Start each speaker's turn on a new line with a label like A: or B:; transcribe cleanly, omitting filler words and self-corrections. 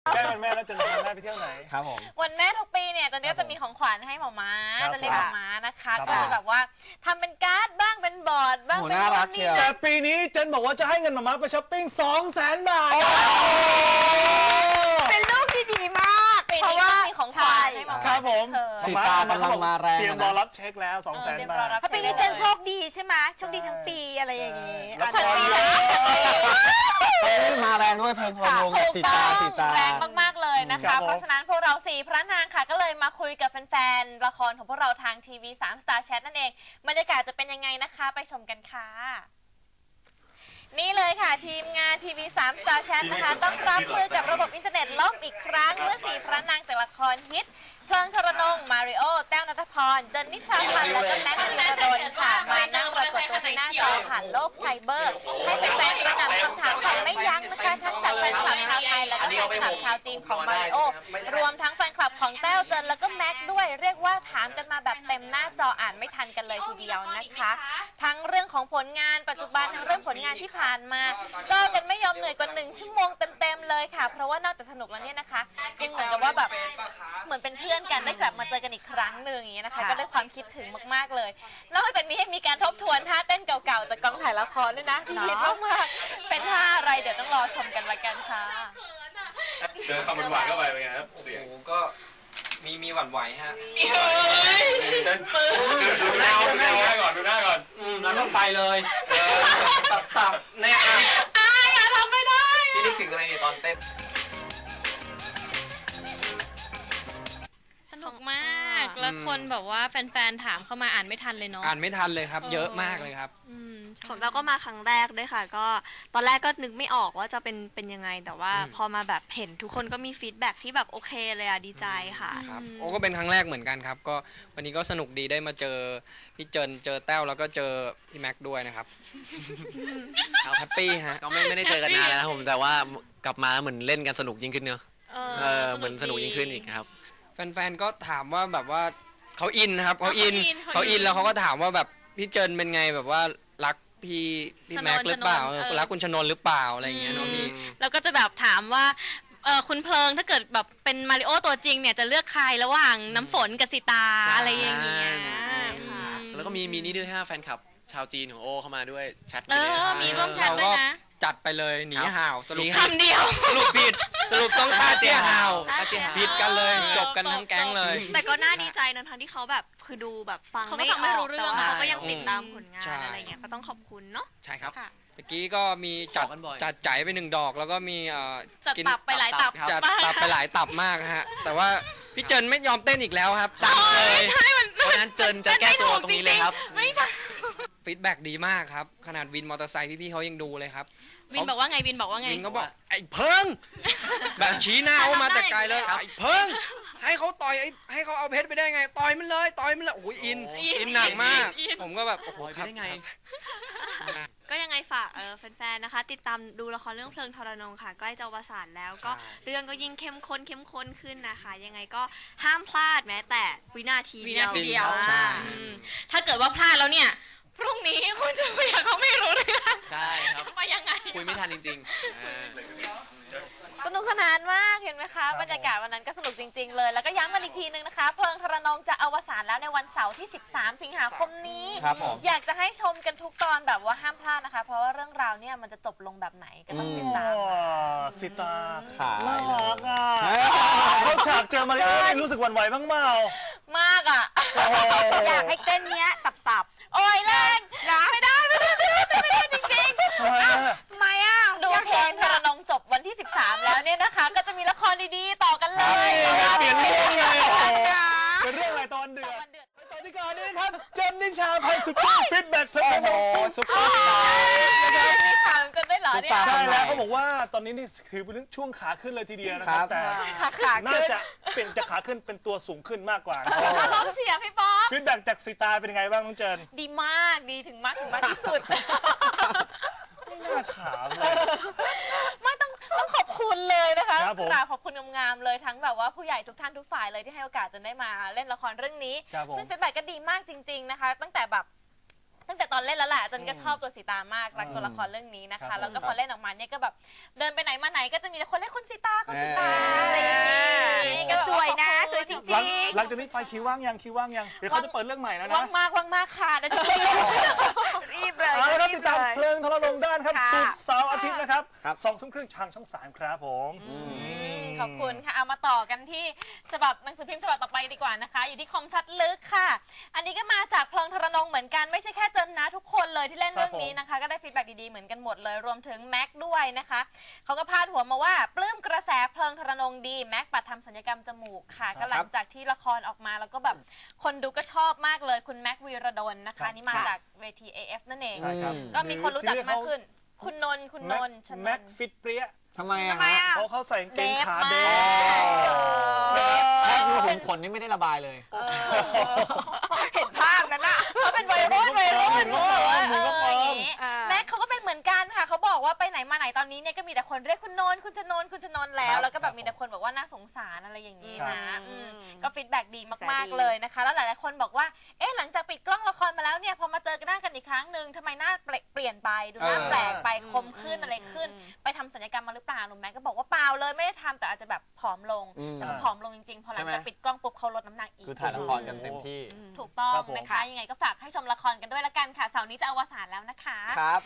A: ใกล้วันแม่แล้วจะพาแม่ไปเที่ยวไหน
B: ครับผม
C: วันแม่ทุกปีเนี่ยตอนนี้จะมีของขวัญให้หมอม้าจะเรียกหมอม้านะคะก็จะแบบว่าทำเป็นการ์ดบ้างเป็นบอร์ดบ้างเป็นนู่นนี่
A: แต่ปีนี้เจนบอกว่าจะให้เงินมาม่าไปช้อปปิ้ง 200,000 บาท
D: เป็นลูกที่ดีมาก
C: ปีนี้ก็มีของขวัญให้หมอม้า
A: ครับผม
B: สีตากำลังมาแรง
A: เตรียมรอรับเช็คแล้ว 200,000 บาท
D: เพราะปีนี้เจนโชคดีใช่ไหมโชคดีทั้งปีอะไรอย่างนี้
C: ทั้งปี
B: มาแรงด้วยเพลิงพลงสีตา
C: แรงมากๆเลยนะคะเพราะฉะนั้นพวกเรา4พระนางค่ะก็เลยมาคุยกับแฟนๆละครของพวกเราทางทีวี3 Star Chat นั่นเองบรรยากาศจะเป็นยังไงนะคะไปชมกันค่ะนี่เลยค่ะทีมงานทีวี3 Star Chat นะคะต้องรับมือกับระบบอินเทอร์เน็ตล่มอีกครั้งเมื่อ4พระนางจากละครฮิตเพลิงธรนงมาริโอแต้วณัฐพรเจนนิชาพันธ์และก็แม็กซ์ธีรดลค่ะมานั่งปรากฏตัวที่หน้าจอผ่านโลกไซเบอร์ให้แฟนๆกระหน่ำคำถามแบบไม่ยั้งนะคะทั้งจากแฟนคลับชาวไทยและก็แฟนคลับชาวจีนของมาริโอรวมทั้งแฟนคลับของแต้วเจนแล้วก็แม็กซ์ด้วยเรียกว่าถามกันมาแบบเต็มหน้าจออ่านไม่ทันกันเลยทีเดียวนะคะทั้งเรื่องของผลงานปัจจุบันทั้งเรื่องผลงานที่ผ่านมาก็กันไม่ยอมเหนื่อยกว่า1 ชั่วโมงเต็มๆเลยค่ะเพราะว่านอกจากสนุกแล้วเนี่ยนะคะยังเหมือนกับว่าแบบเหมือนเป็นเพื่อนกันได้กลับมาเจอกันอีกครั้งหนึ่งอย่างนี้นะคะก็ได้ความคิดถึงมากๆเลยนอกจากนี้มีการทบทวนท่าเต้นเก่าๆจากกองถ่ายละครด้วยนะที่ฮิตมากๆเป็นท่าอะไรเดี๋ยวต้องรอชมกันละกันค่ะ
E: เจอคำหวานเข้าไปเป็นไงครับเสียง
F: ก็มีหวั่นไหวฮะ
E: ดูหน้าก่อนดูหน้าก่อน
F: แล้วต้องไปเลยตับเนี่ย
C: อย่าทำไม่ได้
F: พี่นึกถึงอะไรเนี่ยตอนเต้น
C: สนุกมากแล้วคนแบบว่าแฟนๆถามเข้ามาอ่านไม่ทันเลยเนาะ
F: อ่านไม่ทันเลยครับเยอะมากเลยครับ
D: ของเราก็มาครั้งแรกด้วยค่ะก็ตอนแรกก็นึกไม่ออกว่าจะเป็นยังไงแต่ว่าพอมาแบบเห็นทุกคนก็มีฟีดแบ็กที่แบบโอเคเลยดีใจค่ะ
F: ครับโอ้ก็เป็นครั้งแรกเหมือนกันครับก็วันนี้ก็สนุกดีได้มาเจอพี่เจนเจอแต้วแล้วก็เจอพี่แม็กด้วยนะครับแฮปปี้ฮะ
G: ก็ไม่ได้เจอกันนานแล้วนะผมแต่ว่ากลับมาแล้วเหมือนเล่นกันสนุกยิ่งขึ้นเนอะเหมือนสนุกยิ่งขึ้นอีกครับ
F: แฟนๆก็ถามว่าแบบว่าเขาอินครับเขาอินแล้วเขาก็ถามว่าแบบพี่เจนเป็นไงแบบว่ารักพี่แม็กหรือเปล่ารักคุณชนนหรือเปล่าอะไรอย่างเงี้ยเนาะพี่
C: แล้วก็จะแบบถามว่าคุณเพลิงถ้าเกิดแบบเป็นมาริโอตัวจริงเนี่ยจะเลือกใครระหว่างน้ำฝนกับสีตาอะไรอย่างเงี้ย
G: แล้วก็มีนี่ด้วยฮะแฟนคลับชาวจีนของโอเข้ามาด้วยแชท
C: มีร่วมแชทด้วยนะ
F: จัดไปเลยหนีห่าวสรุป
C: คำเดียว
F: สรุปผิดสรุปต้องฆ่าเจ๊ห่าวผิดกันเลยจบกันทั้งแก๊งเลย
D: แต่ก็น่าดีใจนะทั้งที่เขาแบบคือดูแบบฟังไม่ออกแต่ว่าเขาก็ยังติดตามผลงานอะไรเงี้ยก็ต้องขอบคุณเนาะ
F: ใช่ครับเมื่อกี้ก็มีจัดจ่ายไป1 ดอกแล้วก็มี
C: จัดตับไปหลายตับ
F: จัดตับไปหลายตับมากฮะแต่ว่าพี่เจนไม่ยอมเต้นอีกแล้วครับดังเลย
G: เพราะนั้นเจนจะแก้ตัวตรงนี้เลยครับ
C: ไม่ใช่
F: ฟีดแบ็กดีมากครับขนาดวินมอเตอร์ไซค์พี่ๆเขายังดูเลยครับ
C: วินบอกว่าไงวินก็
F: บอกไอ้เพิงแบบชี้หน้าเขามาแต่ไกลเลยไอ้เพิงให้เขาต่อยให้เขาเอาเพชรไปได้ไงต่อยมันเลยโอ้ยอินหนักมากผมก็แบบโอ้โหครับได้ไง
D: ก็ยังไงฝากแฟนๆนะคะติดตามดูละครเรื่องเพลิงทรนงค่ะใกล้จะอวสานแล้วก็เรื่องก็ยิ่งเข้มข้นขึ้นนะคะยังไงก็ห้ามพลาดแม้แต่วินาทีเดียว
C: ถ้าเกิดว่าพลาดแล้วเนี่ยพรุ่งนี้คุณจะคุยกับเขาไม่รู้เลย
G: ใช่ครับ
C: ไปยังไง
G: คุยไม่ทันจริง
C: สนุกสนานมากเห็นไหมคะบรรยากาศวันนั้นก็สนุกจริงๆเลยแล้วก็ย้ำกันอีกทีนึงนะคะเพลิงทรนงจะอวสานแล้วในวันเสาร์ที่13 สิงหาคมนี้อยากจะให้ชมกันทุกตอนแบบว่าห้ามพลาดนะคะเพราะว่าเรื่องราวเนี่ยมันจะจบลงแบบไหนก็ต้องติดตาม
A: สิตาน่ารักอ่ะเขาฉากเจอมาริโอรู้สึกหวั่นไหวบ้างเปล่าม
C: ากอ่ะ
D: อยากให้เต้นเนี้ยตับ
C: โอ้ยแรงไม่ได้จริงๆ
D: ทำไมอ่ะ
C: ดูเพลงทรนงจบวันที่13แล้วเนี่ยนะคะก็จะมีละครดีๆต่อกันเลย
A: เปลี่ยนเรื่องเลยเป็นเรื่องอะไรตอนเดือดตอนที่ก่อนนี้ครับเจนนิชาพันธ์สุดฟีดแบ็กเพลง
B: ซุปเปอร์สตาร์
C: มีข่าวกันได้เหรอเนี่ย
A: ใช่แล้วเขาบอกว่าตอนนี้นี่คือเป็นช่วงขาขึ้นเลยทีเดียวนะครับแต่น่าจะเป็นจะขาขึ้นเป็นตัวสูงขึ้นมากกว่า
C: ร้องเสียพี่ป๊อป
A: ฟีดแบ็กจากสีตาเป็นยังไงบ้างน้องเจน
C: ดีมากดีถึงมากที่สุด
A: ไม่น่าถามเลย
C: ไม่ต้องขอบคุณเลยนะคะกราบขอบคุณงามๆเลยทั้งแบบว่าผู้ใหญ่ทุกท่านทุกฝ่ายเลยที่ให้โอกาสจนได้มาเล่นละครเรื่องนี้ซึ่งฟีดแบ็กก็ดีมากจริงๆนะคะตั้งแต่ตอนเล่นแล้วแหละจนก็ชอบตัวสีตามากรักตัวละครเรื่องนี้นะคะแล้วก็พอเล่นออกมาเนี่ยก็แบบเดินไปไหนมาไหนก็จะมีแต่คนเรียกคุณสีตา
A: หลังจากนี้ไปคิวว่างยังคิวว่างยังเดี๋ยวเขาจะเปิดเรื่องใหม่แล้วนะ
C: ว่างมากค่ะเดี๋ยวจะรีบเลย
A: เอาละครับ
C: รี
A: ติ
C: บ
A: ดตาม
C: เลย
A: เพลิงทรนงได้นะครับ
C: ค่ะ
A: ศุกร์เสาร์อาทิตย์นะครับ
B: ครับ
A: 20:30ทางช่อง 3 ครับผม
C: ขอบคุณค่ะเอามาต่อกันที่ฉบับหนังสือพิมพ์ฉบับต่อไปดีกว่านะคะ อยู่ที่คมชัดลึกค่ะ อันนี้ก็มาจากเพลิงทรนงเหมือนกันไม่ใช่แค่เจนนะทุกคนเลยที่เล่นเรื่องนี้นะคะ ก็ได้ฟีดแบ็กดีๆเหมือนกันหมดเลยรวมถึงแม็กด้วยนะคะเขาก็พาดหัวมาว่าปลื้มกระแสเพลิงทรนงดีแม็กปัดทำศัลยกรรมจมูกค่ะก็หลังจากที่ละครออกมาแล้วก็แบบคนดูก็ชอบมากเลยคุณแม็กวีรดลนะคะนี่มาจากเวที AF นั่นเอง
A: ใช่ครับ
C: ก็มีคนรู้จักมากขึ้น คุณนนท์ชน
A: แม็ก
C: นท์
A: ฟิตเปรี้ย
B: ทำไมอะ
C: ทำไม
B: ฮะ
C: อะ
A: เขาใส่กางเกงขาเด
C: เด
A: ฟ
C: ฟ
B: แค่ดูผมขนนี่ไม่ได้ระบายเลย
C: เห็นภาพนั้นอ่ะเขาเป็นวัยรุ่นอย่างนี้
H: อ่า
C: แม็กเขาก็เป็นเหมือนกันค่ะเขาบอกว่าไปไหนมาไหนตอนนี้เนี่ยก็มีแต่คนเรียกคุณนนท์คุณชนนท์คุณชนนท์แล้วแล้วก็แบบมีแต่คนบอกว่าน่าสงสารอะไรอย่างนี้นะก็ฟีดแบ็กดีมากๆเลยนะคะแล้วหลายๆคนบอกว่าเอ๊ะหลังจากปิดกล้องละครมาแล้วเนี่ยพอมาเจอกันหน้ากันอีกครั้งหนึ่งทำไมหน้าเปลี่ยนไปดูหน้าแปลกไปคมขึ้นอะไรขึ้น ไปทำศัลยกรรมมาหรือเปล่าหนุ่มแม็กก็บอกว่าเปล่าเลยไม่ได้ทำแต่อาจจะแบบผอมลง
B: อืม
C: แต่เขาผอมลงจริงๆพอหลังจากปิดกล้องปุ๊บเขาลดน้ำหนักอีก
B: คือถ่ายละครกันเต็มที่
C: ถูกต้อง
A: ครับผม
C: นะคะยังไงก็ฝากให้ชมละครกันด้วยละกันค่ะเสาร์นี้จะอวสานแล้วนะคะ
B: ครับ